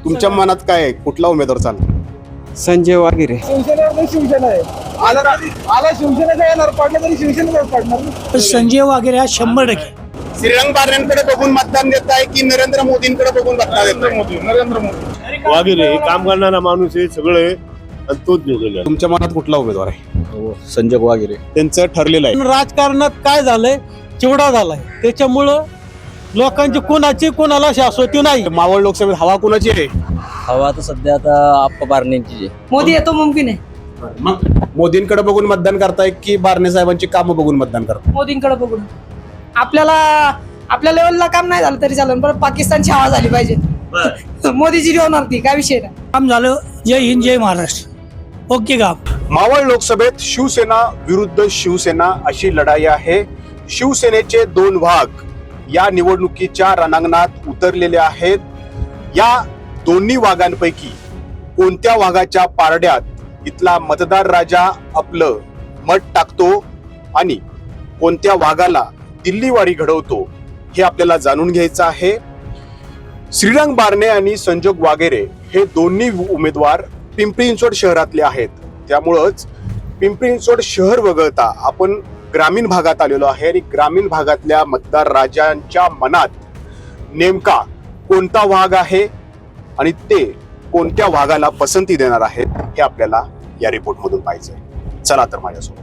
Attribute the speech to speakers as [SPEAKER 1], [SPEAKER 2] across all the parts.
[SPEAKER 1] तुमच्या मनात काय आहे? कुठला उमेदवार चालला?
[SPEAKER 2] संजय वागिरे.
[SPEAKER 3] शिवसेना आहे. आला शिवसेनेचा येणार, पडलं तरी शिवसेनेचाच पडणार.
[SPEAKER 4] संजय वागिरे हा 100%.
[SPEAKER 1] श्रीरंग बारण्यांकडे बघून मतदान देत आहे की नरेंद्र मोदींकडे बघून मतदान देत आहे?
[SPEAKER 3] नरेंद्र मोदी
[SPEAKER 5] वागिरे हे काम करणारा माणूस आहे, सगळं आहे आणि तोच निवडून आला.
[SPEAKER 1] तुमच्या मनात कुठला उमेदवार आहे?
[SPEAKER 2] संजय वागिरे.
[SPEAKER 1] त्यांचं ठरलेलं आहे.
[SPEAKER 4] राजकारणात काय झालंय, चिवडा झालाय. त्याच्यामुळं लोकांची कोणाला शाश्वती नाही.
[SPEAKER 1] मावळ लोकसभेत हवा कुणाची आहे?
[SPEAKER 2] हवा तर सध्या आता आप्पा बारण्यांची.
[SPEAKER 6] मोदी येतो मुमकिन आहे.
[SPEAKER 1] मग मोदींकडे बघून मतदान करताय की बारणे साहेबांची कामं बघून मतदान करताय?
[SPEAKER 6] मोदींकडे बघून आपल्याला आपल्या लेवलला काम नाही झालं तरी चालेल, पण पाकिस्तानची हवा झाली पाहिजे. मोदीची होणार ती, काय विषय नाही.
[SPEAKER 4] काम झालं. जय हिंद, जय महाराष्ट्र. ओके काम.
[SPEAKER 1] मावळ लोकसभेत शिवसेना विरुद्ध शिवसेना अशी लढाई आहे. शिवसेनेचे दोन भाग या निवडणुकीच्या रणांगणात उतरलेले आहेत. या दोन्ही वाघांपैकी कोणत्या वाघाच्या पारड्यात इथला मतदार राजा आपलं मत टाकतो आणि कोणत्या वाघाला दिल्लीवाडी घडवतो हे आपल्याला जाणून घ्यायचं आहे. श्रीरंग बारणे आणि संजोग वागेरे हे दोन्ही उमेदवार पिंपरी चिंचवड शहरातले आहेत. त्यामुळंच पिंपरी चिंचवड शहर वगळता आपण ग्रामीण भागात आलेलो आहे आणि ग्रामीण भागातल्या मतदार राजांच्या मनात नेमका कोणता वाघ आहे आणि ते कोणत्या वाघाला पसंती देणार आहेत हे आपल्याला या रिपोर्ट मधून पाहायचंय. चला तर माझ्यासोबत.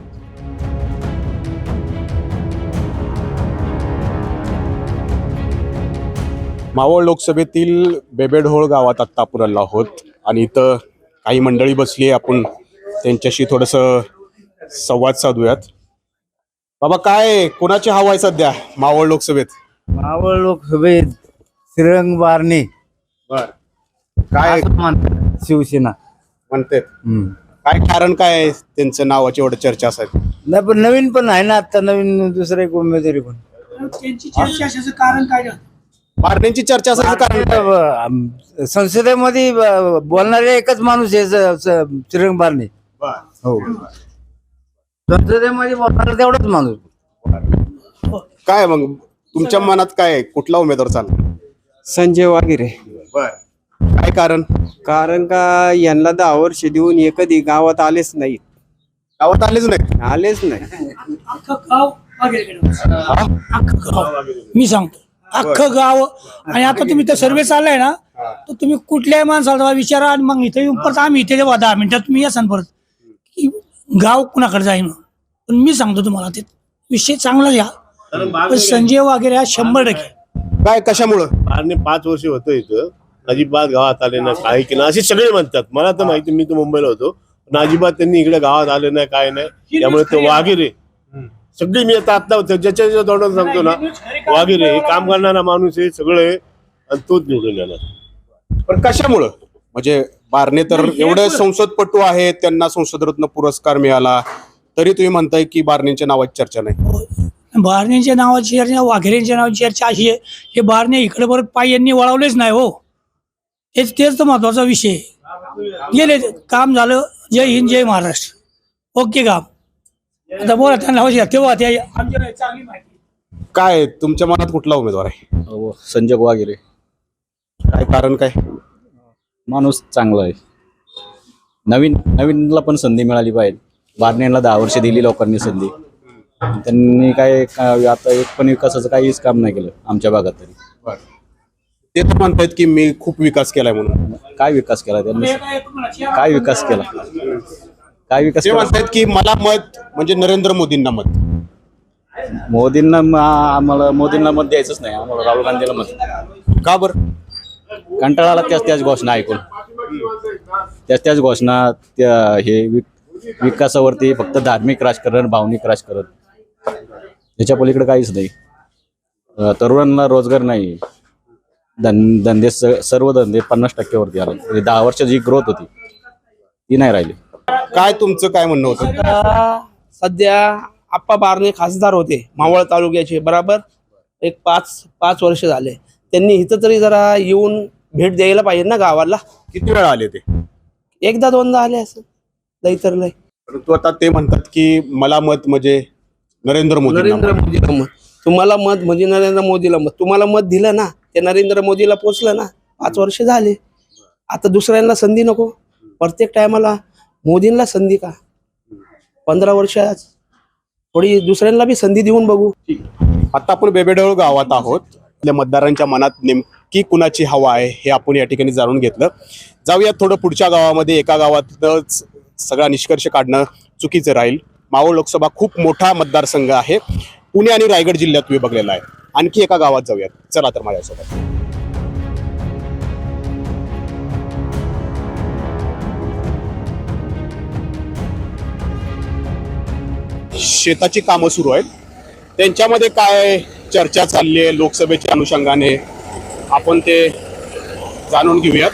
[SPEAKER 1] मावळ लोकसभेतील बेबेढोळ गावात आत्ता आपण आलो आहोत आणि इथं काही मंडळी बसली आहे. आपण त्यांच्याशी थोडस संवाद साधूयात. बाबा, काय कोणाची हवा आहे सध्या मावळ लोकसभेत?
[SPEAKER 7] मावळ लोकसभेत श्रीरंग बारणे.
[SPEAKER 1] बर, काय
[SPEAKER 7] असं म्हणतात शिवसेना.
[SPEAKER 1] म्हणते? काय कारण काय आहे त्यांचं नावाची एवढं चर्चा असायची?
[SPEAKER 7] नाही, पण नवीन पण आहे ना, आता नवीन दुसरं एक उमेदवारी पण.
[SPEAKER 4] त्यांची चर्चा असायचं कारण काय?
[SPEAKER 1] बारण्यांची चर्चा असायचं कारण काय?
[SPEAKER 7] संसदेमध्ये बोलणारे एकच माणूस आहे श्रीरंग बारणे. हो, संसदेमध्ये बोलणारा तेवढाच माणूस.
[SPEAKER 1] काय मग तुमच्या मनात काय आहे? कुठला उमेदवार चालला?
[SPEAKER 2] संजय वागिरे.
[SPEAKER 1] बर, काय कारण?
[SPEAKER 2] कारण का यांना 10 वर्ष देऊन हे कधी गावात आलेच नाही.
[SPEAKER 1] गावात आलेच नाही?
[SPEAKER 2] आलेच नाही.
[SPEAKER 4] अख्खं गाव वागिरेकडे. अख्खं गाव. मी सांगतो, अख्खं गाव. आणि आता तुम्ही तर सर्वे चाललाय ना, तर तुम्ही कुठल्याही माणसाला विचारा आणि मग इथे येऊन परत आम्ही इथे 10 मिनिटात तुम्ही या सांग परत की गाव कुणाकडे जाईन. पण मी सांगतो तुम्हाला, ते विषय चांगला घ्या. पण संजय वागिरे हा 100%.
[SPEAKER 1] काय, कशामुळं?
[SPEAKER 5] बारणे 5 वर्ष होतं इथं, अजिबात गावात आले नाही, काही की नाही असे सगळे म्हणतात. मला तर माहिती, मी तर मुंबईला होतो, पण अजिबात त्यांनी इकडे गावात आले नाही, काय नाही. त्यामुळे ते वागिरे सगळी, मी आता ज्याच्या तोंडात सांगतो ना, वागिरे हे काम करणारा माणूस आहे, सगळं आहे आणि तोच निवडून येणार.
[SPEAKER 1] पण कशामुळं? म्हणजे बारणे तर एवढे संसदपटू आहेत, त्यांना संसदरत्न पुरस्कार मिळाला, तरी तुम्ही म्हणताय की बारणेंच्या नावाची चर्चा नाही?
[SPEAKER 4] बारण्यांच्या नावाची चर्चा, वाघेरेंच्या नावाची चर्चा अशी आहे, हे बारणे इकडे परत पाय यांनी वळवलेच नाही. हो, तेच तर महत्वाचा विषय. गेले, काम झालं. जय हिंद, जय महाराष्ट्र. ओके काम. आता बोला त्यांना तेव्हा ते आमच्या चांगली माहिती.
[SPEAKER 1] काय तुमच्या मनात कुठला उमेदवार आहे?
[SPEAKER 2] संजय वागिरे.
[SPEAKER 1] काय कारण काय?
[SPEAKER 2] माणूस चांगला आहे. नवीनला पण संधी मिळाली पाहिजे. बारण्यांना 10 वर्ष दिली लोकांनी संधी. त्यांनी आता एक पण विकासाचं काहीच काम नाही केलं आमच्या भागात तरी.
[SPEAKER 1] ते तर म्हणतायत की मी खूप विकास केलाय म्हणून.
[SPEAKER 2] काय विकास केला त्यांनी? काय विकास केला? काय विकास
[SPEAKER 1] ते
[SPEAKER 2] केला?
[SPEAKER 1] म्हणतायत की मला मत म्हणजे नरेंद्र मोदींना मत.
[SPEAKER 2] मोदींना आम्हाला मोदींना मत द्यायचंच नाही. आम्हाला राहुल गांधीला मत.
[SPEAKER 1] का बरं?
[SPEAKER 2] कंटाळाला त्याच घोषणा ऐकून, त्याच घोषणा, त्या हे विकासावरती फक्त धार्मिक राजकारण, भावनिक राजकारण, याच्या पलीकडे काहीच नाही. तरुणांना रोजगार नाही. धंदे सर्व धंदे 50% वरती आले. 10 वर्ष जी ग्रोथ होती ती नाही राहिली.
[SPEAKER 1] काय तुमचं काय म्हणणं होतं?
[SPEAKER 3] सध्या आप्पा बारणे खासदार होते मावळ तालुक्याचे, बराबर एक 5 वर्ष झाले. त्यांनी इथं तरी जरा येऊन भेट द्यायला पाहिजे ना गावाला.
[SPEAKER 1] किती वेळा आले ते?
[SPEAKER 3] एकदा दोनदा आले असं, लई तर लई.
[SPEAKER 1] परंतु आता ते म्हणतात की मला मत म्हणजे नरेंद्र मोदी.
[SPEAKER 3] नरेंद्र मोदीला मत. तुम्हाला मत म्हणजे नरेंद्र मोदीला मत. तुम्हाला मत दिलं ना, ते नरेंद्र मोदीला पोचलं ना. 5 वर्ष झाले. आता दुसऱ्यांना संधी नको, प्रत्येक टायमाला मोदींना संधी का? 15 वर्ष थोडी दुसऱ्यांना बी संधी देऊन बघू.
[SPEAKER 1] आता आपण बेबेढोळ गावात आहोत. आपल्या मतदारांच्या मनात नेमकी कुणाची हवा आहे हे आपण या ठिकाणी जाणून घेतलं. जाऊयात थोडं पुढच्या गावामध्ये. एका गावातच सगळा निष्कर्ष काढणं चुकीचं राहील. मावळ लोकसभा खूप मोठा मतदारसंघ आहे, पुणे आणि रायगड जिल्ह्यात विभागलेला आहे. आणखी एका गावात जाऊयात, चला तर माझ्यासोबत. शेताची कामं सुरू आहेत, त्यांच्यामध्ये काय चर्चा चालली आहे लोकसभेच्या अनुषंगाने आपण ते जाणून घेऊयात.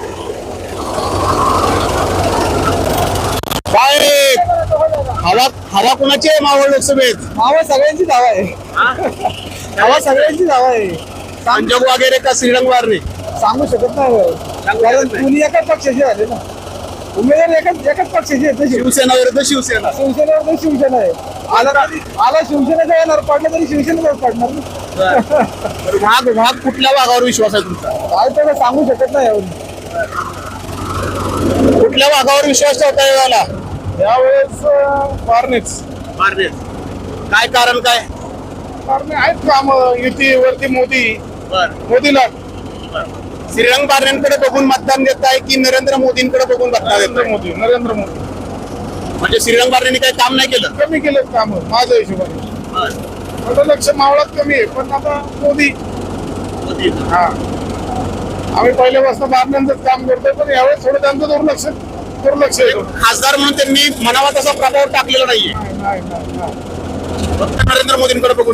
[SPEAKER 1] काय हवा हवा कोणाची आहे मावळ लोकसभेत?
[SPEAKER 3] हवा सगळ्यांची धावा आहे. हवा सगळ्यांची धावा आहे.
[SPEAKER 1] संजोग वगैरे का श्रीरंग वारणे?
[SPEAKER 3] सांगू शकत नाही, कारण तुम्ही एकाच पक्षाचे झाले ना. उमेदवार एकाच पक्षाचे आहेत.
[SPEAKER 1] शिवसेना विरुद्ध शिवसेना.
[SPEAKER 3] शिवसेनेवर शिवसेना आहे. आला शिवसेनेचा येणार, पडलं तरी शिवसेनेवर पडणार ना.
[SPEAKER 1] भाग कुठल्या भागावर विश्वास आहे तुमचा?
[SPEAKER 3] काय तर सांगू शकत नाही यावर.
[SPEAKER 1] कुठल्या भागावर विश्वास ठेवता याला?
[SPEAKER 3] यावेळेस फारनेच
[SPEAKER 1] काय कारण काय?
[SPEAKER 3] कारण आहेत काम युतीवरती मोदीला
[SPEAKER 1] श्रीरंग बारणेंकडे बघून मतदान देत आहे की नरेंद्र मोदींकडे बघून मतदान देत आहे?
[SPEAKER 3] नरेंद्र मोदी
[SPEAKER 1] म्हणजे श्रीरंग बारणेंनी काही काम नाही केलं?
[SPEAKER 3] कमी केलेत काम माझ्या हिशोबाने. माझं लक्ष मावळात कमी आहे, पण आता मोदी. हा, आम्ही पहिल्यापासून बारणेंचंच काम करतोय, पण यावेळेस थोडं त्यांचं दुर्लक्ष आहे.
[SPEAKER 1] खासदार म्हणून त्यांनी म्हणावा तसा प्रभाव टाकलेला नाहीये, फक्त नरेंद्र मोदींकडे बघून.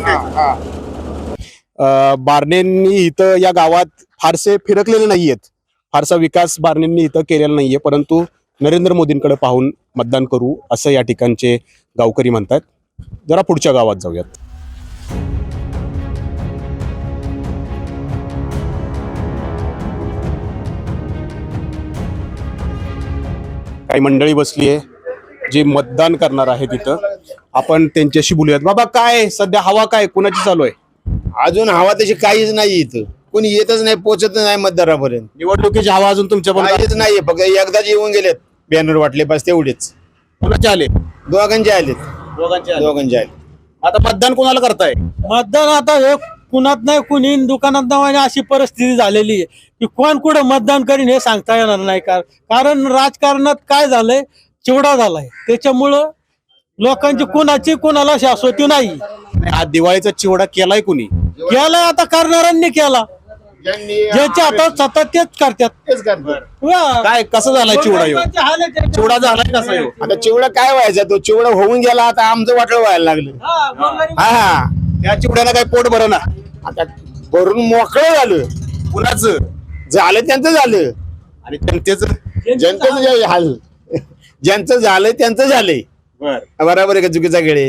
[SPEAKER 1] बारणेंनी इथं या गावात फारसे फिरकलेले नाहीयेत, फारसा विकास बारणेंनी इथं केलेला नाहीये, परंतु नरेंद्र मोदींकडे पाहून मतदान करू असं या ठिकाणचे गावकरी म्हणतात. जरा पुढच्या गावात जाऊयात. काही मंडळी बसली आहे जी मतदान करणार आहे तिथं. आपण त्यांच्याशी बोलूयात. बाबा, काय सध्या हवा काय कुणाची चालू आहे?
[SPEAKER 8] अजून हवा तशी काहीच नाही इथं, कोणी येतच नाही, पोचत नाही मतदारापर्यंत.
[SPEAKER 1] निवडणुकीची हवा अजून तुमच्या पण
[SPEAKER 8] काहीच नाहीये, फक्त एकदाच येऊन गेलेत बॅनर वाटले, बस तेवढेच.
[SPEAKER 1] कुणाचे आले?
[SPEAKER 8] दोघांचे आलेत. दोघांचे आले.
[SPEAKER 1] आता मतदान कोणाला करताय?
[SPEAKER 9] मतदान आता हे कुणात नाही, कुणी दुकानात नाही, अशी परिस्थिती झालेली आहे की कोण कुठं मतदान करीन हे सांगता येणार नाही. कारण राजकारणात काय झालंय, चिवडा झालाय, त्याच्यामुळं लोकांची कुणाला शाश्वती नाही.
[SPEAKER 1] आज दिवाळीचा चिवडा केलाय कुणी?
[SPEAKER 9] केलाय आता करणाऱ्यांनी केला, ज्याच्या हातात सतत तेच करतात.
[SPEAKER 1] काय कसं झालाय चिवडा? चिवडा झालाय कसा ह्यो?
[SPEAKER 8] आता चिवडा काय व्हायचा, तो चिवडा होऊन गेला, आता आमचं वाटलं व्हायला लागलं. हा,
[SPEAKER 1] त्या चिवड्याला काय पोट भर ना?
[SPEAKER 8] आता भरून मोकळं झालं.
[SPEAKER 1] कुणाचं
[SPEAKER 8] झालं त्यांचं झालं,
[SPEAKER 1] आणि जनतेचं?
[SPEAKER 8] जनतेचं जे हाल, ज्यांचं झालंय त्यांचं झालंय. बरोबर आहे का? चुकीचा गेळे.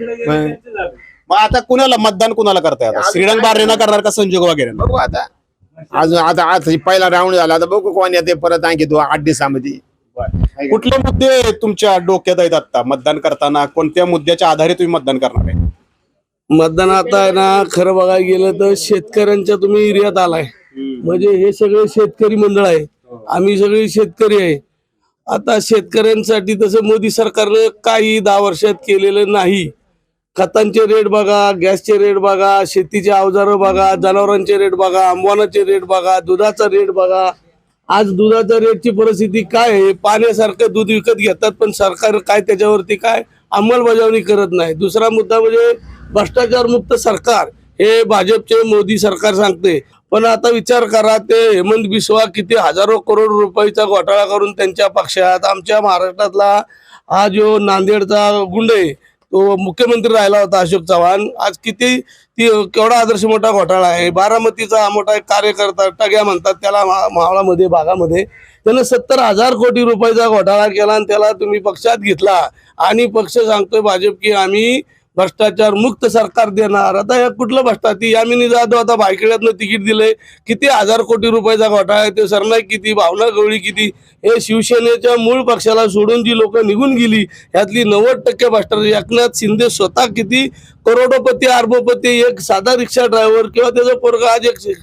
[SPEAKER 1] मग आता कुणाला मतदान कुणाला करताय? आता श्रीरंग बारणेंना करणार का संजोग वगैरे?
[SPEAKER 8] बघू आता. अजून आता पहिला राऊंड झाला, आता बघू कोण येते परत आणखी 8 दिवसामध्ये.
[SPEAKER 1] कुठले मुद्दे तुमच्या डोक्यात आहेत आता मतदान करताना? कोणत्या मुद्द्याच्या आधारे तुम्ही मतदान करणार आहे?
[SPEAKER 3] मतदान आता आहे ना, खरं बघायला गेलं तर शेतकऱ्यांच्या तुम्ही एरियात आलाय, म्हणजे हे सगळे शेतकरी मंडळ आहे, आम्ही सगळे शेतकरी आहे. आता शेतकऱ्यांसाठी तसं मोदी सरकारनं काही 10 वर्षात केलेलं नाही. खतांचे रेट बघा, गॅसचे रेट बघा, शेतीचे अवजारं बघा, जनावरांचे रेट बघा, आंबवानाचे रेट बघा, दुधाचा रेट बघा. आज दुधाच्या रेटची परिस्थिती काय आहे? पाण्यासारखं दूध विकत घेतात, पण सरकार काय त्याच्यावरती काय अंमलबजावणी करत नाही. दुसरा मुद्दा म्हणजे भ्रष्टाचार मुक्त सरकार हे भाजपचे मोदी सरकार सांगते, पण आता विचार करा, ते हेमंत बिस्वा किती हजारो करोड रुपयाचा घोटाळा करून त्यांच्या पक्षात, आमच्या महाराष्ट्रातला हा जो नांदेडचा गुंड आहे तो मुख्यमंत्री राहिला होता अशोक चव्हाण, आज किती केवढा आदर्श मोठा घोटाळा आहे. बारामतीचा मोठा एक कार्यकर्ता टग्या म्हणतात त्याला, मावळामध्ये भागामध्ये त्यानं 70,000 कोटी रुपयाचा घोटाळा केला आणि त्याला तुम्ही पक्षात घेतला, आणि पक्ष सांगतोय भाजप की आम्ही भ्रष्टाचार मुक्त सरकार देणार. आता या कुठलं भ्रष्टाचार? यामिनी जाधव आता भायखळ्यातनं तिकीट दिलंय, किती 1000 कोटी रुपयाचा घोटाळा आहे. ते सरनाईक किती, भावना गवळी किती. हे शिवसेनेच्या मूळ पक्षाला सोडून जी लोक निघून गेली यातली 90% भ्रष्टाचार. एकनाथ शिंदे स्वतः किती करोडोपती, अरबोपती, एक साधा रिक्षा ड्रायव्हर किंवा त्याचा पोरगा आज एक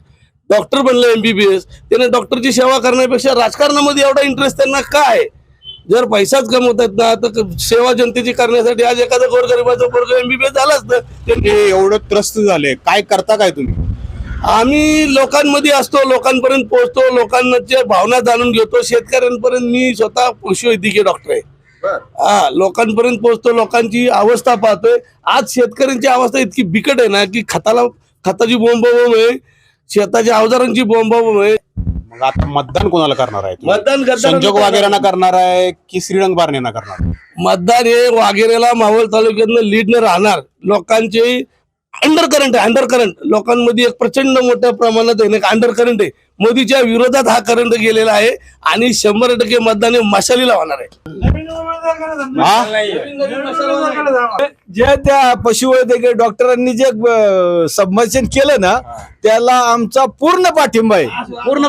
[SPEAKER 3] डॉक्टर बनलं MBBS, त्याने डॉक्टरची सेवा करण्यापेक्षा राजकारणामध्ये एवढा इंटरेस्ट त्यांना काय? जर पैसाच कमवतात ना तर सेवा जनतेची करण्यासाठी आज एखादा गोरगरिबाचा पोरग MBBS झालाच तर
[SPEAKER 1] ते एवढं त्रस्त झाले, काय करता काय तुम्ही?
[SPEAKER 3] आम्ही लोकांमध्ये असतो, लोकांपर्यंत पोहोचतो, लोकांच्या भावना जाणून घेतो. शेतकऱ्यांपर्यंत मी स्वतः पशुवैद्यकीय डॉक्टर आहे. हा, लोकांपर्यंत पोहोचतो, लोकांची अवस्था पाहतोय. आज शेतकऱ्यांची अवस्था इतकी बिकट आहे ना की खताची बोंबाबोंब आहे, शेताच्या अवजारांची बोंबाबोंब आहे.
[SPEAKER 1] मग आता मतदान कोणाला करणार आहे तुम्ही?
[SPEAKER 3] मतदान
[SPEAKER 1] संजोग वगैरेंना करणार आहे की श्रीरंग बारणेंना करणार आहे?
[SPEAKER 3] मतदान हे वाघेरेला मावळ तालुक्यातनं लीडनं राहणार. लोकांचे अंडर करंट लोकांमध्ये एक प्रचंड मोठ्या प्रमाणात आहे ना अंडर करंट आहे. मोदीच्या विरोधात हा करंट गेलेला आहे आणि 100% मतदान हे मशालीला होणार आहे.
[SPEAKER 7] जे त्या पशुवैद्यकीय डॉक्टरांनी जे सबमिशन केलं ना त्याला आमचा पूर्ण पाठिंबा आहे. पूर्ण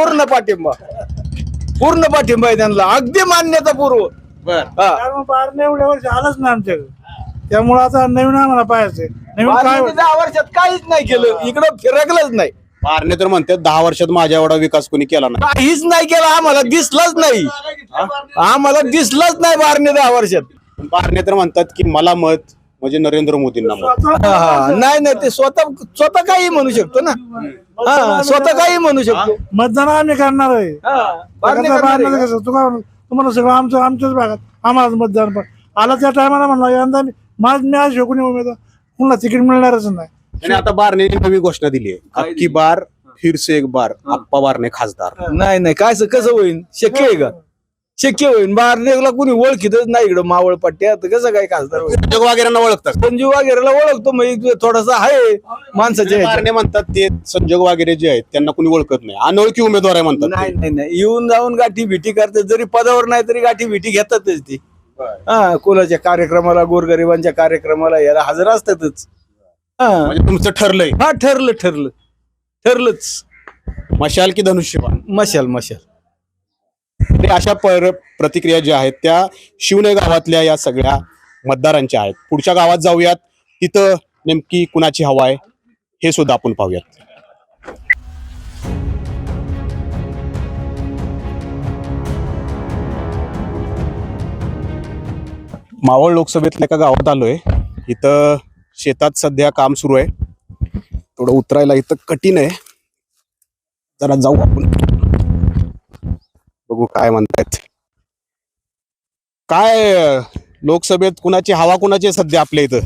[SPEAKER 7] पाठिंबा आहे त्यांना, अगदी मान्यतापूर्व.
[SPEAKER 4] बारणे एवढ्या वर्ष आलंच ना आमच्याकडे, त्यामुळे आता नवीन आम्हाला पाहायचंय. नवीन काय
[SPEAKER 7] बारणे 10 वर्षात काहीच नाही केलं, इकडं फिरकलंच नाही,
[SPEAKER 1] बारणे तर म्हणतात 10 वर्षात माझ्या एवढा विकास कोणी केला नाही.
[SPEAKER 7] काहीच नाही केलं. आम्हाला दिसलंच नाही बारणे 10 वर्षात.
[SPEAKER 1] बारणे तर म्हणतात की मला मत म्हणजे नरेंद्र मोदींना मत.
[SPEAKER 7] नाही ते स्वतः काही म्हणू शकतो ना. स्वतः काही म्हणू शकतो.
[SPEAKER 4] मतदान आम्ही करणार आहे.
[SPEAKER 7] बारणे करणार आहे.
[SPEAKER 4] कसं तुम्हाला सगळं आमच्याच भागात आम्हाला मतदान पण आला त्या टायमाला म्हणला यंदा मी आज शोकून उमेदवार पुन्हा तिकीट मिळणारच नाही.
[SPEAKER 1] आणि आता बारणे नवी घोषणा दिली आहे, अबकी बार फिर से एक बार आप्पा बारणे खासदार.
[SPEAKER 7] नाही काय कसं होईल? शक्य आहे का? शक्य होईल? बारनेला कोणी ओळखीतच नाही इकडं मावळ पट्ट्यात, कसं काय खासदार होईल?
[SPEAKER 1] संजोग वगैरेंना ओळखतात.
[SPEAKER 7] संजीव वगैरेला ओळखतो, मग थोडासा आहे माणसाच्या ह्याच्यात.
[SPEAKER 1] बारणे म्हणतात ते संजोग वगैरे जे आहेत त्यांना कोणी ओळखत नाही, अनोळखी उमेदवार आहे म्हणतात ते.
[SPEAKER 7] नाही येऊन जाऊन गाठी भेटी करतात, जरी पदावर नाही तरी गाठी भेटी घेतातच ती. कोणाच्या कार्यक्रमाला, गोरगरिबांच्या कार्यक्रमाला याला हजर असतातच.
[SPEAKER 1] म्हणजे तुमचं ठरलंय?
[SPEAKER 7] ठरलंच.
[SPEAKER 1] मशाल की धनुष्यबाण?
[SPEAKER 7] मशाल.
[SPEAKER 1] ते अशा प्रतिक्रिया ज्या आहेत त्या शिवने गावातल्या या सगळ्या मतदारांच्या आहेत. पुढच्या गावात जाऊयात, तिथं नेमकी कुणाची हवा आहे हे सुद्धा आपण पाहूयात. मावळ लोकसभेतल्या एका गावात आलोय. इथं शेतात सध्या काम सुरू आहे, थोडं उतरायला इथं कठीण आहे. जरा जाऊ आपण, बघू काय म्हणतायत. काय लोकसभेत कुणाची हवा कुणाची आहे सध्या आपल्या इथं?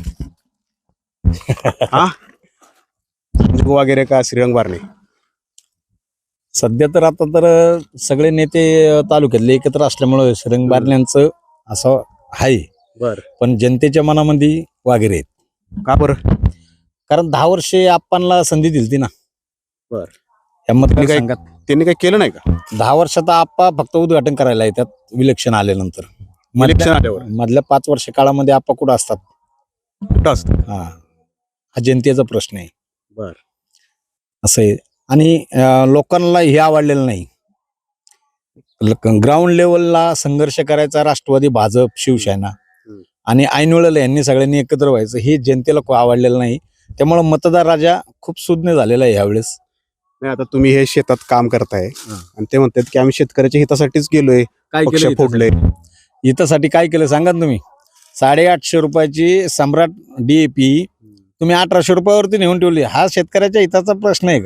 [SPEAKER 1] हा, वगैरे का श्रीरंग बारणे?
[SPEAKER 2] सध्या तर आता तर सगळे नेते तालुक्यातले एकत्र असल्यामुळे श्रीरंग बारण्यांचं असं आहे.
[SPEAKER 1] बर,
[SPEAKER 2] पण जनतेच्या मनामध्ये वागेरे आहेत.
[SPEAKER 1] का बरं?
[SPEAKER 2] कारण 10 वर्षे आपणला संधी दिली ना.
[SPEAKER 1] बर,
[SPEAKER 2] या मतदारसंघात
[SPEAKER 1] त्यांनी काही केलं नाही का?
[SPEAKER 2] 10 वर्षात आप्पा फक्त उद्घाटन करायला येतात विलक्षण आल्यानंतर.
[SPEAKER 1] इलेक्शन आल्यावर
[SPEAKER 2] मधल्या 5 वर्ष काळामध्ये आप्पा कुठं असतात?
[SPEAKER 1] कुठं असतं?
[SPEAKER 2] हा जनतेचा प्रश्न आहे.
[SPEAKER 1] बर,
[SPEAKER 2] असं आहे. आणि लोकांना हे आवडलेलं नाही. ग्राउंड लेवलला संघर्ष करायचा राष्ट्रवादी, भाजप, शिवसेना आणि ऐनवेळेला यांनी सगळ्यांनी एकत्र व्हायचं हे जनतेला खूप आवडलेलं नाही. त्यामुळे मतदार राजा खूप सुज्ञ झालेला आहे यावेळेस.
[SPEAKER 1] नाही आता तुम्ही हे शेतात काम करताय आणि ते म्हणतात की आम्ही शेतकऱ्याच्या हितासाठीच गेलोय,
[SPEAKER 2] काय
[SPEAKER 1] पक्ष
[SPEAKER 2] केलं
[SPEAKER 1] फोडले.
[SPEAKER 2] हितासाठी काय केलं सांगा ना तुम्ही? 850 रुपयाची सम्राट DAP तुम्ही 1800 रुपयावरती नेऊन ठेवली. हा शेतकऱ्याच्या हिताचा प्रश्न आहे का?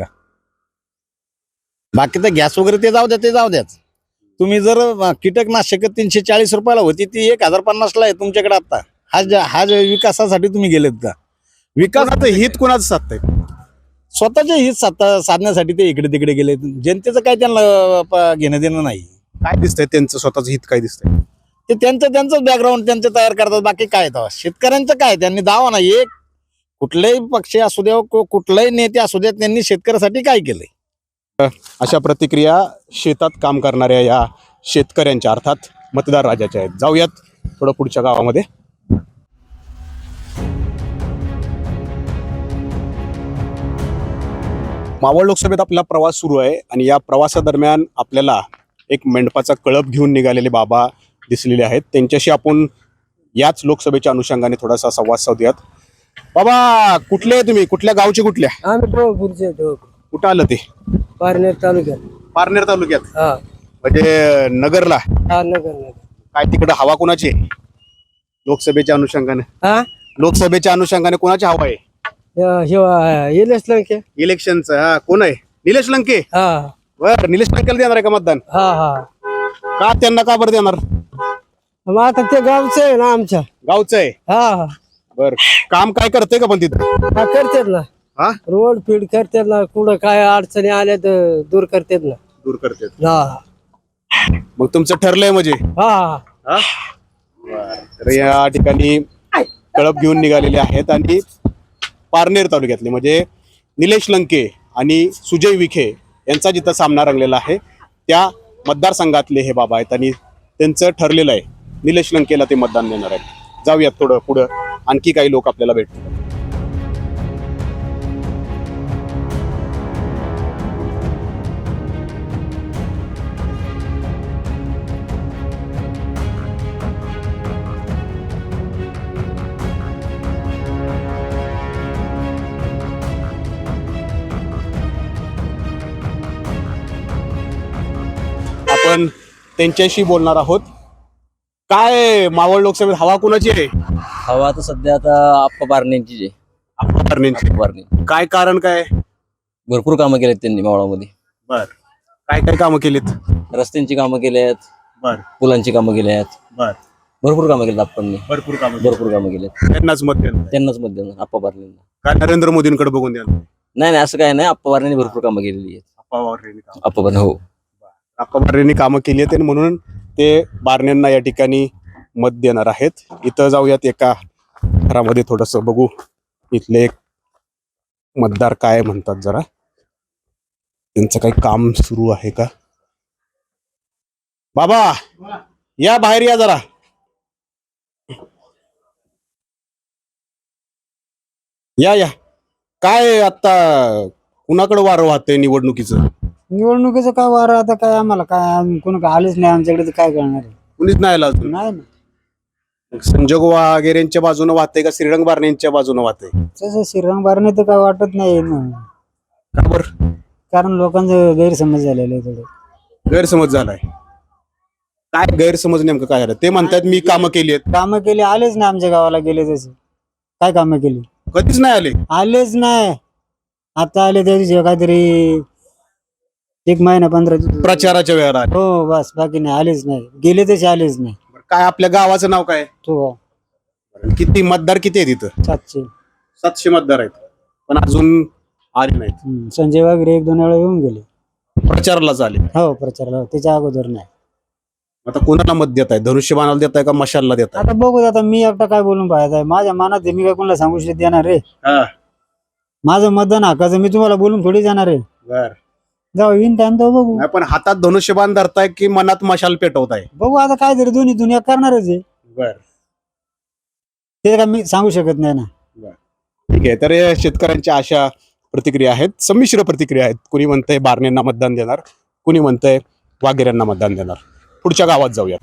[SPEAKER 2] बाकी तर गॅस वगैरे ते जाऊ द्याच. तुम्ही जर कीटकनाशक 340 रुपयाला होती ती 1050ला आहे तुमच्याकडे आता. हा विकासासाठी तुम्ही गेलेत का?
[SPEAKER 1] विकासाचं हित कुणाचं साधतंय?
[SPEAKER 2] स्वतःचे हित साधण्यासाठी ते इकडे तिकडे गेले. जनतेचं काय त्यांना घेणं देणं नाही.
[SPEAKER 1] काय दिसतंय त्यांचं स्वतःचं हित काय दिसतंय?
[SPEAKER 2] ते त्यांचं बॅकग्राऊंड त्यांचं तयार करतात. बाकी काय तेव्हा शेतकऱ्यांचं काय? त्यांनी दावा ना, एक कुठलाही पक्ष असू द्या, कुठलाही नेते असू द्या, त्यांनी शेतकऱ्यासाठी काय केलंय?
[SPEAKER 1] अशा प्रतिक्रिया शेतात काम करणाऱ्या या शेतकऱ्यांच्या अर्थात मतदार राजाच्या आहेत. जाऊयात थोडं पुढच्या गावामध्ये. मावळ लोकसभेत आपला प्रवास सुरू आहे आणि या प्रवासादरम्यान आपल्याला एक मेंढपाचा कळप घेऊन निघालेले बाबा दिसलेले आहेत. त्यांच्याशी आपण याच लोकसभेच्या अनुषंगाने थोडासा संवाद साधूयात. बाबा कुठले आहे तुम्ही? कुठल्या गावचे? कुठल्या?
[SPEAKER 7] आम्ही
[SPEAKER 1] कुठं आलं ते?
[SPEAKER 3] पारनेर तालुक्यात.
[SPEAKER 1] पारनेर तालुक्यात
[SPEAKER 3] हा
[SPEAKER 1] म्हणजे नगरला.
[SPEAKER 3] हा नगर.
[SPEAKER 1] काय तिकडे हवा कोणाची आहे? लोकसभेच्या अनुषंगाने.
[SPEAKER 3] हा
[SPEAKER 1] लोकसभेच्या अनुषंगाने कोणाची हवा आहे?
[SPEAKER 3] येलेच लंके.
[SPEAKER 1] इलेक्शनचं हा कोण आहे? निलेश लंके.
[SPEAKER 3] हा
[SPEAKER 1] बर निलेश लंकेला देणार आहे का मतदान?
[SPEAKER 3] हा हा
[SPEAKER 1] का त्यांना का बरं देणार?
[SPEAKER 3] मग आता ते गावचं आहे ना आमच्या.
[SPEAKER 1] गावचं आहे.
[SPEAKER 3] हा
[SPEAKER 1] बर काम काय करते का पण तिथं?
[SPEAKER 3] हा करतात ना.
[SPEAKER 1] हा
[SPEAKER 3] रोड फीड करतात ना. कुठं काय अडचणी आल्या तर दूर करतात ना.
[SPEAKER 1] दूर करते.
[SPEAKER 3] हा
[SPEAKER 1] मग तुमचं ठरलंय म्हणजे?
[SPEAKER 3] हा
[SPEAKER 1] हा? तर या ठिकाणी कळप घेऊन निघालेले आहेत आणि पारनेर तालुक्यातले म्हणजे निलेश लंके आणि सुजय विखे यांचा जिथं सामना रंगलेला आहे त्या मतदारसंघातले हे बाबा आहेत आणि त्यांचं ठरलेलं आहे निलेश लंकेला ते मतदान देणार आहेत. जाऊयात थोडं पुढं, आणखी काही लोक आपल्याला भेटतील. आपण त्यांच्याशी बोलणार आहोत. काय मावळ लोकसभेत हवा कुणाची आहे?
[SPEAKER 2] हवा तर सध्या आता आप्पा बारणेंची आहे.
[SPEAKER 1] पारनेरची.
[SPEAKER 2] बारणे
[SPEAKER 1] काय कारण काय?
[SPEAKER 2] भरपूर कामं केलेत त्यांनी मावळामध्ये.
[SPEAKER 1] बर काय काय कामं केलीत?
[SPEAKER 2] रस्त्यांची कामं केल्यात,
[SPEAKER 1] बर
[SPEAKER 2] पुलांची कामं केल्यात,
[SPEAKER 1] बर
[SPEAKER 2] भरपूर कामं केलेत आप्पांनी.
[SPEAKER 1] भरपूर कामं
[SPEAKER 2] भरपूर कामं केलेत.
[SPEAKER 1] त्यांनाच मत देणार.
[SPEAKER 2] त्यांनाच मत देणार आप्पा बारणेंना.
[SPEAKER 1] काय नरेंद्र मोदींकडे बघून द्या.
[SPEAKER 2] नाही नाही असं काय नाही, आप्पा बारणेंनी भरपूर कामं केलेली आहेत. आप्पा बारणे हो.
[SPEAKER 1] आप्पा बारणेंनी कामं केली आहेत आणि म्हणून ते बारणेंना या ठिकाणी मत देणार आहेत. इथं जाऊयात एका घरामध्ये थोडस बघू इथले एक मतदार काय म्हणतात, जरा त्यांचं काही काम सुरू आहे का. बाबा या बाहेर या जरा. या या काय आता कुणाकडे वारं वाहतंय निवडणुकीचं?
[SPEAKER 10] निवडणुकीचं काय वारं आता काय आम्हाला काय कोणी आलेच नाही आमच्याकडे तर काय करणार आहे?
[SPEAKER 1] कुणीच नाही आला अजून.
[SPEAKER 10] नाही ना.
[SPEAKER 1] संजोग वगैरेंच्या बाजूने वाहते का श्रीरंग बारणेंच्या बाजूने वाहते?
[SPEAKER 10] तसं श्रीरंग बारणे तर काय वाटत नाही ना.
[SPEAKER 1] का बरं?
[SPEAKER 10] कारण लोकांचं गैरसमज झालेलं आहे थोडं.
[SPEAKER 1] गैरसमज झालाय. काय गैरसमज नेमकं काय झालं? ते म्हणतात मी कामं केली आहेत.
[SPEAKER 10] कामं केली आलेच नाही आमच्या गावाला गेले तसे. काय कामं केली?
[SPEAKER 1] कधीच नाही आले.
[SPEAKER 10] आलेच नाही. आता आले त्या दिवशी काहीतरी 1 महिना 15 दिवस.
[SPEAKER 1] प्रचाराच्या वेळेला आले.
[SPEAKER 10] हो बस बाकी नाही आलेच नाही. गेले तसे आलेच नाही.
[SPEAKER 1] काय आपल्या गावाचं नाव काय?
[SPEAKER 10] तो
[SPEAKER 1] किती मतदार किती आहे तिथं?
[SPEAKER 10] 700.
[SPEAKER 1] 700 मतदार आहेत पण अजून आले नाहीत.
[SPEAKER 10] संजय वगैरे 1-2 वेळा येऊन गेले
[SPEAKER 1] प्रचारालाच आले.
[SPEAKER 10] हो प्रचाराला. त्याच्या अगोदर नाही.
[SPEAKER 1] आता कोणाला मत देत आहे? धनुष्यबाणाला देत आहे का मशालला देत आहे?
[SPEAKER 10] आता बघू आता मी एकटा काय बोलून पाहत आहे. माझ्या मनात आहे, मी काय कोणाला सांगू शकत देणार रे. माझं मतदान हक्काचं मी तुम्हाला बोलून थोडी जाणार आहे.
[SPEAKER 1] बर
[SPEAKER 10] जाऊ येईन टाइम तर बघू.
[SPEAKER 1] नाही पण हातात धनुष्यबाण धरताय की मनात मशाल पेटवताय?
[SPEAKER 10] बघू आता काय तरी दोन्ही दुनिया करणारच आहे.
[SPEAKER 1] बर
[SPEAKER 10] ते काय मी सांगू शकत नाही ना.
[SPEAKER 1] ठीक आहे. तर या शेतकऱ्यांच्या अशा प्रतिक्रिया आहेत, संमिश्र प्रतिक्रिया आहेत. कुणी म्हणतंय बारणेंना मतदान देणार, कुणी म्हणतंय वाघेऱ्यांना मतदान देणार. पुढच्या गावात जाऊया.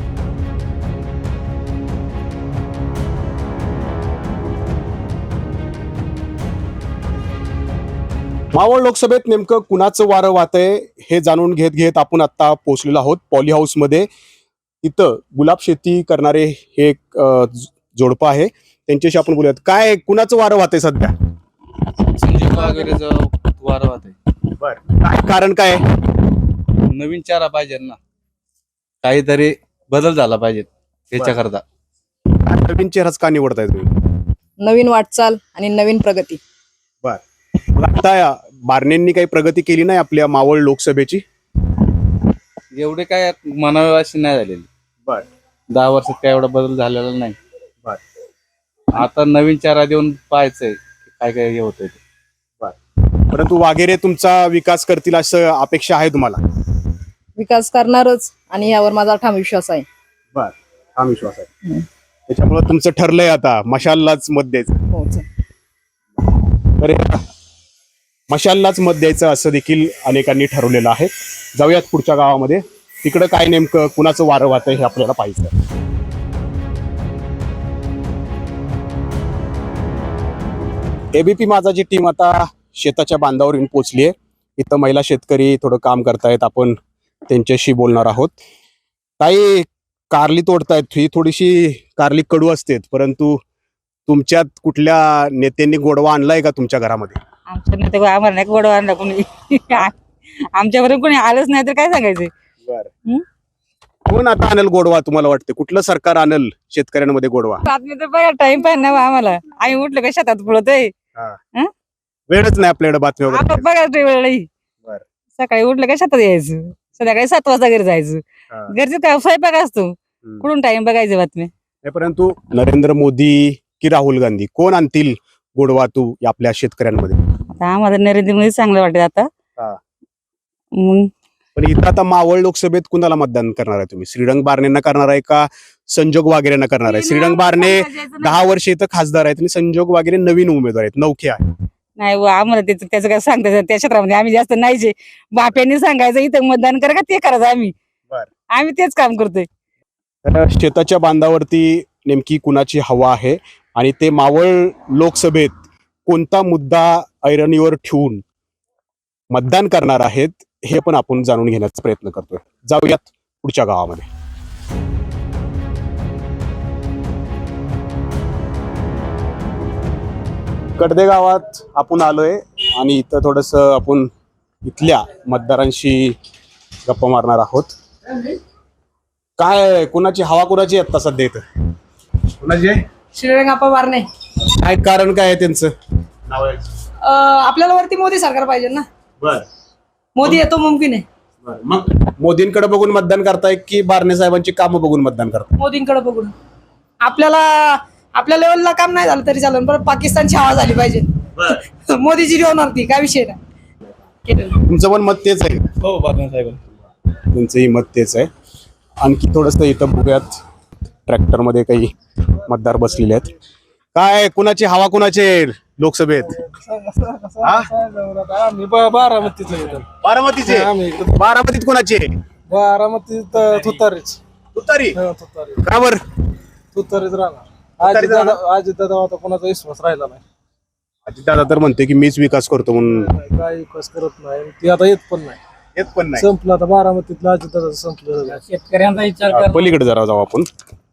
[SPEAKER 1] मावळ लोकसभेत नेमकं कुणाचं वारं वाहतंय हे जाणून घेत घेत आपण आता पोहोचलेलो आहोत पॉली हाऊस मध्ये. इथं गुलाब शेती करणारे हे एक जोडपं आहे, त्यांच्याशी आपण बोलूयात. काय कुणाचं वारं वाहतंय सध्या?
[SPEAKER 11] संजय वगैरेचं वारं वाहतंय.
[SPEAKER 1] बर काय कारण काय?
[SPEAKER 11] नवीन चारा पाहिजे ना, काहीतरी बदल झाला पाहिजे त्याच्याकरता.
[SPEAKER 1] नवीन चेहराच का निवडताय तुम्ही?
[SPEAKER 6] नवीन वाटचाल आणि नवीन प्रगती.
[SPEAKER 1] बर मग आता बारणेंनी काही प्रगती केली नाही आपल्या मावळ लोकसभेची?
[SPEAKER 11] एवढे काय म्हणावे अशी नाही झालेली.
[SPEAKER 1] बर
[SPEAKER 11] 10 वर्षात काय एवढा बदल झालेला नाही.
[SPEAKER 1] बर
[SPEAKER 11] आता नवीन चारा देऊन पाहायचंय काय काय हे होतंय ते.
[SPEAKER 1] परंतु वाघेरे तुमचा विकास करतील असं अपेक्षा आहे तुम्हाला?
[SPEAKER 6] विकास करणारच आणि यावर माझा ठाम विश्वास आहे.
[SPEAKER 1] बर हा विश्वास आहे. त्याच्यामुळे तुमचं ठरलंय आता मशाललाच मत द्यायचं.
[SPEAKER 6] हो
[SPEAKER 1] तर मशाललाच मत द्यायचं असं देखील अनेकांनी ठरवलेलं आहे. जाऊयात पुढच्या गावामध्ये, तिकडं काय नेमकं कुणाचं वारं वाहतंय हे आपल्याला पाहायचं. एबीपी माझाची टीम आता शेताच्या बांधावर येऊन पोहोचली आहे. इथं महिला शेतकरी थोडं काम करतायत, आपण त्यांच्याशी बोलणार आहोत. ताई, कारली तोडतायत, ही थोडीशी कारली कडू असते, परंतु तुमच्यात कुठल्या नेत्यांनी गोडवा आणलाय का तुमच्या घरामध्ये?
[SPEAKER 6] आमच्या नेते आम्हाला नाही गोडवा आणला कोणी. आमच्यापर्यंत कोणी आलंच नाही तर काय सांगायचं.
[SPEAKER 1] बरं, कोण आता आणल गोडवा तुम्हाला वाटते? कुठलं सरकार आणल शेतकऱ्यांमध्ये गोडवा?
[SPEAKER 6] बातमी तर बघा, टाइम पाहिजे ना आम्हाला. आम्ही उठलो का शेतात पळतोय.
[SPEAKER 1] वेळच नाही आपल्याकडे बातमी वगैरे.
[SPEAKER 6] आपण बघा वेळ
[SPEAKER 1] बरं.
[SPEAKER 6] सकाळी उठलं का शेतात यायचं, संध्याकाळी 7 वाजता घरी जायचं. घरचे काय स्वयंपाक असतो, कुठून टाइम बघायचं बातमी.
[SPEAKER 1] परंतु नरेंद्र मोदी की राहुल गांधी कोण आणतील गोडवा तू आपल्या शेतकऱ्यांमध्ये?
[SPEAKER 6] आता आम्हाला नरेंद्र मोदी चांगलं वाटत आता. मग
[SPEAKER 1] पण इथं आता मावळ लोकसभेत कुणाला मतदान करणार आहे तुम्ही? श्रीरंग बारणेंना करणार आहे का संजोग वागेरेंना करणार आहे? श्रीरंग बारणे 10 वर्ष इथं खासदार आहेत आणि संजोग वागेरे नवीन उमेदवार आहेत, नवखे आहे.
[SPEAKER 6] नाही आम्हाला त्याचं काय सांगता त्या क्षेत्रामध्ये आम्ही जास्त नाही. जे बाप्यांनी सांगायचं इथं मतदान करा का ते करायचं आम्ही तेच काम करतोय.
[SPEAKER 1] तर शेताच्या बांधावरती नेमकी कुणाची हवा आहे आणि ते मावळ लोकसभेत कोणता मुद्दा ऐरणीवर ठेवून मतदान करणार आहेत हे पण आपण जाणून घेण्याचा प्रयत्न करतोय. जाऊयात पुढच्या गावामध्ये. कडदे गावात आपण आलोय आणि इथं थोडस आपण इथल्या मतदारांशी गप्पा मारणार आहोत. काय कुणाची हवा कुणाची आता सध्या इथं? कुणाची आहे?
[SPEAKER 6] श्रीरंगाप्पा बारणे.
[SPEAKER 1] काय कारण काय आहे त्यांचं?
[SPEAKER 6] आपल्याला वरती मोदी सरकार पाहिजे ना.
[SPEAKER 1] बर,
[SPEAKER 6] मोदी येतो मुमकिन आहे.
[SPEAKER 1] मग मोदींकडे बघून मतदान करताय की बारणे साहेबांची कामं बघून मतदान करताय?
[SPEAKER 6] मोदींकडे बघून. आपल्या लेवलला काम नाही झालं तरी चालेल, पण पाकिस्तानची हवा झाली पाहिजे. मोदीजी होणार ती, काय विषय नाही.
[SPEAKER 1] तुमचं पण मत तेच आहे?
[SPEAKER 9] हो, बारणे साहेब
[SPEAKER 1] त्यांचंही मत तेच आहे. आणखी थोडस इथं बघूयात, ट्रॅक्टर मध्ये काही मतदार बसलेले आहेत. काय कुणाची हवा कुणाची लोकसभेत? बारामतीचे. बारामतीत कुणाची आहे?
[SPEAKER 9] बारामतीत तुतारीच.
[SPEAKER 1] तुतारी? का बर?
[SPEAKER 9] तुतारीच राहणार. अजितदादा आता कोणाचा विश्वास राहिला नाही.
[SPEAKER 1] अजितदादा तर म्हणते की मीच विकास करतो म्हणून.
[SPEAKER 9] काय विकास करत नाही, ती आता येत पण नाही. संपलं आता बारामतीतलं अजितदादा संपलं.
[SPEAKER 4] शेतकऱ्यांचा विचार
[SPEAKER 1] पलीकडे जरा जाऊ आपण.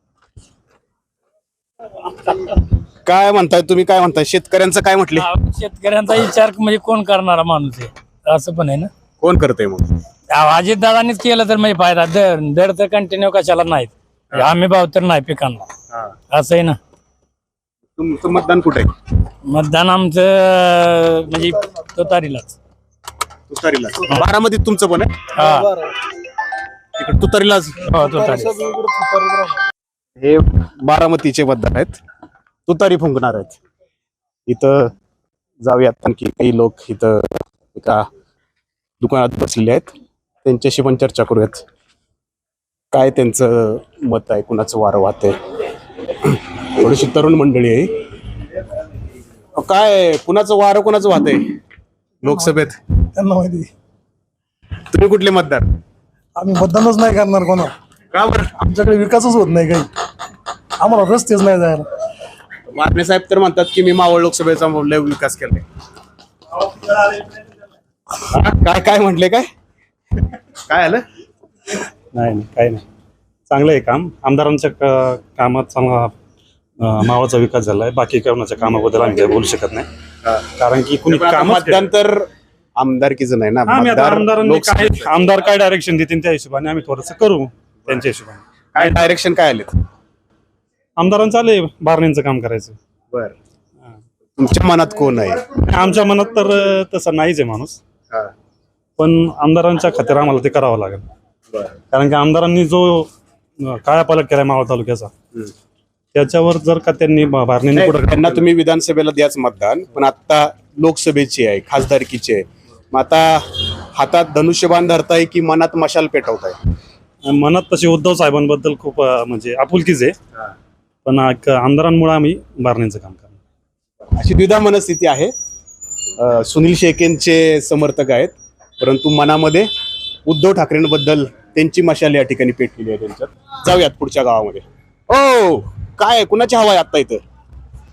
[SPEAKER 1] काय म्हणताय तुम्ही? काय म्हणताय शेतकऱ्यांचं? काय म्हटले?
[SPEAKER 4] शेतकऱ्यांचा विचार म्हणजे कोण करणारा माणूस आहे असं पण आहे ना.
[SPEAKER 1] कोण करतंय मग?
[SPEAKER 4] अजितदादांनीच केलं तर म्हणजे फायदा. दर तर कंटिन्यू कशाला नाहीत, आम्ही भाव तर नाही पिकांना, असं आहे ना.
[SPEAKER 1] तुमचं मतदान कुठे आहे?
[SPEAKER 4] मतदान आमचं म्हणजे तुतारीलाच.
[SPEAKER 1] तुतारीला? बारामतीत तुमचं पण आहे? तिकडे तुतारीलाच? हे बारामतीचे मतदार आहेत, तुतारी फुंकणार आहेत. इथं जाऊयात, आणखी काही लोक इथं एका दुकानात बसलेले आहेत, त्यांच्याशी पण चर्चा करूयात. काय त्यांचं मत आहे, कुणाचं वारं वाहत आहे. थोडीशी तरुण मंडळी आहे. काय कुणाचं वारं कुणाचं वाहत आहे लोकसभेत?
[SPEAKER 9] त्यांना माहिती.
[SPEAKER 1] तुम्ही कुठले मतदार?
[SPEAKER 9] आम्ही मतदानच नाही करणार कोणाला.
[SPEAKER 1] का बरं?
[SPEAKER 9] आमच्याकडे विकासच होत नाही, काही आम्हाला रस्तेच नाही जायला.
[SPEAKER 1] बारणे साहेब तर म्हणतात की मी मावळ लोकसभेचा लय विकास केलाय. काय काय म्हटले? काय काय आलं?
[SPEAKER 12] नाही काही नाही, चांगलं आहे काम. आमदारांच्या कामात चांगला मावाचा विकास झालाय. बाकी कोणाच्या कामाबद्दल आम्ही काही बोलू शकत नाही, कारण की कुणी
[SPEAKER 1] मतदान तर आमदारकीचं नाही ना.
[SPEAKER 12] आमदार काय डायरेक्शन देतील त्या हिशोबाने आम्ही थोडस करू त्यांच्या हिशोबाने.
[SPEAKER 1] काय डायरेक्शन काय आले?
[SPEAKER 12] आमदारांचं आलंय बारणेंचं काम करायचं.
[SPEAKER 1] बर, तुमच्या मनात कोण आहे?
[SPEAKER 12] आमच्या मनात तर तसं नाहीच आहे माणूस, पण आमदारांच्या खात्यावर आम्हाला ते करावं लागेल. कारण की आमदारांनी जो कायापालट केलाय मावळ तालुक्याचा, त्याच्यावर जर का त्यांनी बारणेंनी पुढे,
[SPEAKER 1] त्यांना तुम्ही विधानसभेला द्याच मतदान, पण आता लोकसभेची आहे, खासदारकीची आहे. मग आता हातात धनुष्यबाण धरताय की मनात मशाल पेटवताय?
[SPEAKER 12] मनात तशी उद्धव साहेबांबद्दल खूप म्हणजे आपुलकीच आहे, पण आमदारांमुळे आम्ही बारणेंचं काम करणार
[SPEAKER 1] अशी द्विधा मनस्थिती आहे. सुनील शेकेंचे समर्थक आहेत, परंतु मनामध्ये उद्धव ठाकरेंबद्दल त्यांची मशाल या ठिकाणी पेटलेली आहे त्यांच्यात. जाऊयात पुढच्या गावामध्ये. ओ काय कुणाची हवा आहे आता इथं?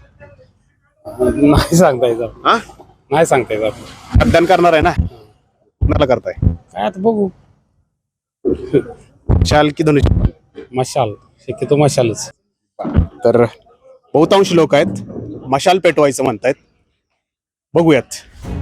[SPEAKER 12] नाही सांगता येतं.
[SPEAKER 1] हा,
[SPEAKER 12] नाही सांगता येतं.
[SPEAKER 1] मतदान करणार आहे ना? कुणाला करताय?
[SPEAKER 4] काय आता बघू.
[SPEAKER 1] मशाल की धनुष्य?
[SPEAKER 12] मशाल, शक्यतो मशालच.
[SPEAKER 1] तर बहुतांश लोक आहेत मशाल पेटवायचं म्हणतायत. बघूयात.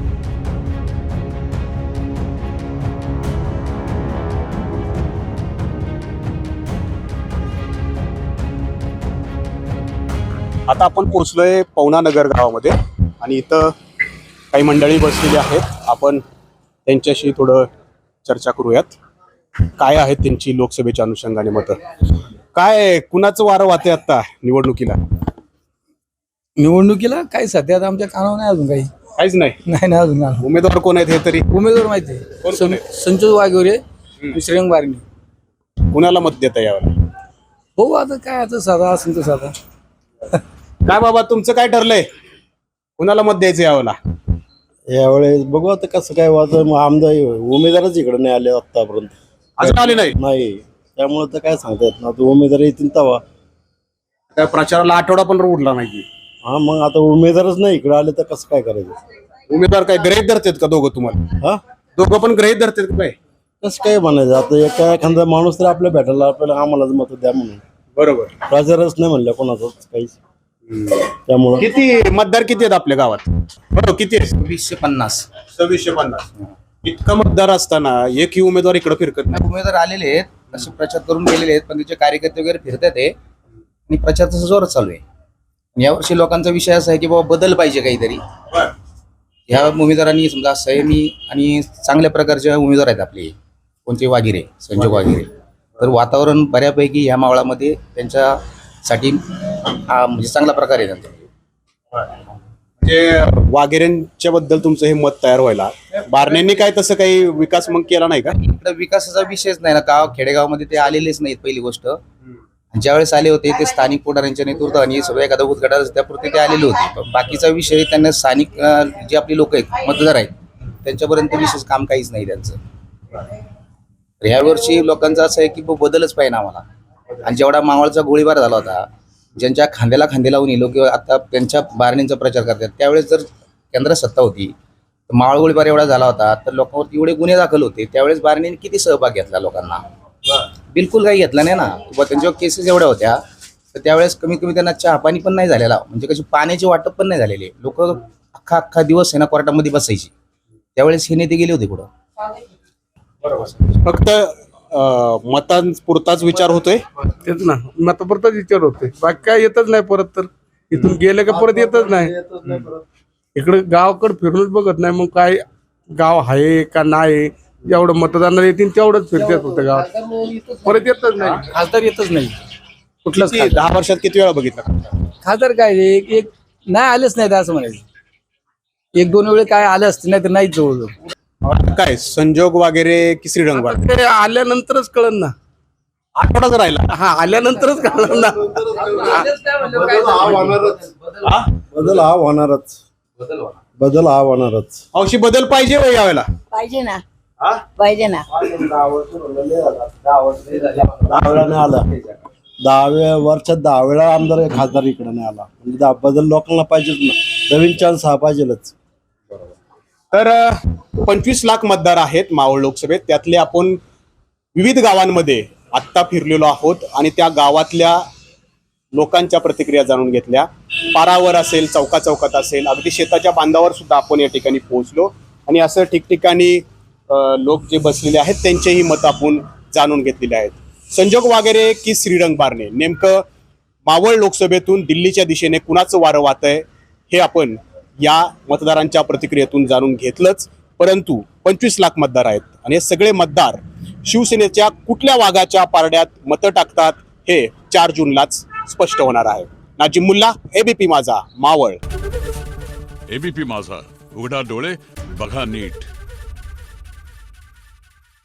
[SPEAKER 1] आता आपण पोहोचलोय पवना नगर गावामध्ये आणि इथं काही मंडळी बसलेली आहेत. आपण त्यांच्याशी थोडं चर्चा करूयात. काय आहेत त्यांची लोकसभेच्या अनुषंगाने मतं? काय कुणाचं वारं वाहते आता निवडणुकीला?
[SPEAKER 3] निवडणुकीला काय सध्या आता आमच्या कानावर नाही अजून काही.
[SPEAKER 1] काहीच नाही.
[SPEAKER 3] नाही अजून कानावर.
[SPEAKER 1] उमेदवार कोण आहेत हे तरी?
[SPEAKER 3] उमेदवार माहिती आहे. संतोष वाघोरे, श्रेयंग बारणी.
[SPEAKER 1] कुणाला मत देता यावं?
[SPEAKER 3] हो आता काय आता साधा असेल तर साधा.
[SPEAKER 1] काय बाबा तुमचं काय ठरलंय? कुणाला मत द्यायचं यावेळेला?
[SPEAKER 5] यावेळेस बघू आता कसं काय वाटतं. आमदार उमेदवारच इकडे नाही आले आतापर्यंत.
[SPEAKER 1] अजून आले नाही.
[SPEAKER 5] नाही, त्यामुळे तर काय सांगता येत ना. आता उमेदवार येतील तेव्हा.
[SPEAKER 1] त्या प्रचाराला आठवडा पण उरला नाही.
[SPEAKER 5] हा मग आता उमेदवारच नाही इकडे आले तर कसं काय करायचं?
[SPEAKER 1] उमेदवार काय ग्रहित धरतात का दोघं तुम्हाला?
[SPEAKER 5] हा
[SPEAKER 1] दोघं पण ग्रहित धरतात का काय?
[SPEAKER 5] कसं काय म्हणायचं? आता एखादा माणूस तर आपल्या भेटायला आपल्याला आम्हालाच मत द्या म्हणून.
[SPEAKER 1] बरोबर.
[SPEAKER 5] प्रचारच नाही म्हणलं कोणाचाच काहीच. त्यामुळे
[SPEAKER 1] किती मतदार किती आहेत आपल्या गावात? बरोबर किती आहेत?
[SPEAKER 2] 2050.
[SPEAKER 1] 2650. इतका मतदार असताना एकही उमेदवार इकडे फिरकत नाही.
[SPEAKER 2] उमेदवार आलेले आहेत, असे प्रचार करून गेलेले आहेत, पण त्याचे कार्यकर्ते वगैरे फिरतात आहे आणि प्रचार तसा जोरात चालू आहे. यावर्षी लोकांचा विषय असा आहे की बाबा बदल पाहिजे काहीतरी. ह्या उमेदवारांनी समजा असं आहे मी आणि चांगल्या प्रकारचे उमेदवार आहेत आपले. कोणते? वागिरे, संजोग वागिरे. तर वातावरण बऱ्यापैकी ह्या मावळामध्ये त्यांच्यासाठी म्हणजे चांगला प्रकार आहे त्यांचा.
[SPEAKER 1] म्हणजे वाघेरेंच्या बद्दल तुमचं हे मत तयार व्हायला बारण्यांनी काय तसं काही विकास मग केला नाही का?
[SPEAKER 2] इकडे विकासाचा विषयच नाही ना. गाव खेडेगावामध्ये ते आलेलेच नाहीत पहिली गोष्ट. ज्यावेळेस आले होते ते स्थानिक पुढाऱ्यांच्या नेतृत्वाने सगळं एखादा उद्घाटन त्यापुरते ते आलेले होते. पण बाकीचा विषय त्यांना स्थानिक जे आपली लोक आहेत मतदार आहेत त्यांच्यापर्यंत विशेष काम काहीच नाही त्यांचं. तर ह्या वर्षी लोकांचं असं आहे की बदलच पाहिजे आम्हाला. आणि जेवढा मावळचा गोळीबार झाला होता, ज्यांच्या खांद्याला खांदे लावून लोक आता त्यांच्या बारणींचा प्रचार करतात, त्यावेळेस जर केंद्रात सत्ता होती तर मावळ गोळीबार एवढा झाला होता तर लोकांवरती एवढे गुन्हे दाखल होते. त्यावेळेस बारणीने किती सहभाग घेतला लोकांना? बिलकुल काही घेतला नाही ना. किंवा त्यांच्यावर केसेस एवढ्या होत्या तर त्यावेळेस कमीत कमी त्यांना चहा पाणी पण नाही झालेला. म्हणजे कशी पाण्याचे वाटप पण नाही झालेले. लोक अख्खा दिवस आहे ना कोर्टामध्ये बसायची. त्यावेळेस हे नेते गेले होते कुठं?
[SPEAKER 1] फक्त मतांपुरताच विचार होतोय.
[SPEAKER 3] तेच ना, मतापुरताच विचार होतोय. बाकी काय येतच नाही परत. तर इथून गेले का परत येतच नाही. इकडे गावाकडे फिरूनच बघत नाही. मग काय गाव आहे का नाही? जेवढं मतदानाला येतील तेवढंच फिरतात फक्त गावात. परत येतच नाही. खासदार येतच नाही कुठलंच.
[SPEAKER 1] 10 वर्षात किती वेळा बघितलं
[SPEAKER 3] खासदार काय एक नाही आलेच नाही असं म्हणायचं. 1-2 वेळे काय आले असते नाही तर नाहीच जवळजवळ.
[SPEAKER 1] काय संजोग वगैरे की श्रीरंग वाघ?
[SPEAKER 3] ते आल्यानंतरच कळन ना.
[SPEAKER 1] आठवडाच राहिला.
[SPEAKER 3] हा आल्यानंतरच कळलं ना.
[SPEAKER 5] बदल हा होणारच. बदल हा होणारच.
[SPEAKER 1] अवशी बदल पाहिजे हो यावेळेला.
[SPEAKER 6] पाहिजे ना. पाहिजे ना.
[SPEAKER 5] 10 वेळा नाही आला. 10 वर्षात 10 वेळा आमदार खासदार इकडे नाही आला. म्हणजे बदल लोकांना पाहिजेच ना. नवीन चान्स हा पाहिजेलच.
[SPEAKER 1] तर 25 लाख मतदार आहेत मावळ लोकसभेत. त्यातले आपण विविध गावांमध्ये आत्ता फिरलेलो आहोत आणि त्या गावातल्या लोकांच्या प्रतिक्रिया जाणून घेतल्या. पारावर असेल, चौकात असेल, अगदी शेताच्या बांधावर सुद्धा आपण या ठिकाणी पोहोचलो आणि असं ठिकठिकाणी लोक जे बसलेले आहेत त्यांचेही मत आपण जाणून घेतलेले आहेत. संजोग वाघेरे की श्रीरंग बारणे, नेमकं मावळ लोकसभेतून दिल्लीच्या दिशेने कुणाचं वारं वाहतंय हे आपण या मतदारांच्या प्रतिक्रियेतून जाणून घेतलंच. परंतु 25 लाख मतदार आहेत आणि हे सगळे मतदार शिवसेनेच्या कुठल्या वाघाच्या पारड्यात मतं टाकतात हे 4 जूनलाच स्पष्ट होणार आहे. नाजिम मुल्ला, एबीपी माझा, मावळ.
[SPEAKER 13] एबीपी माझा, उघडा डोळे बघा नीट.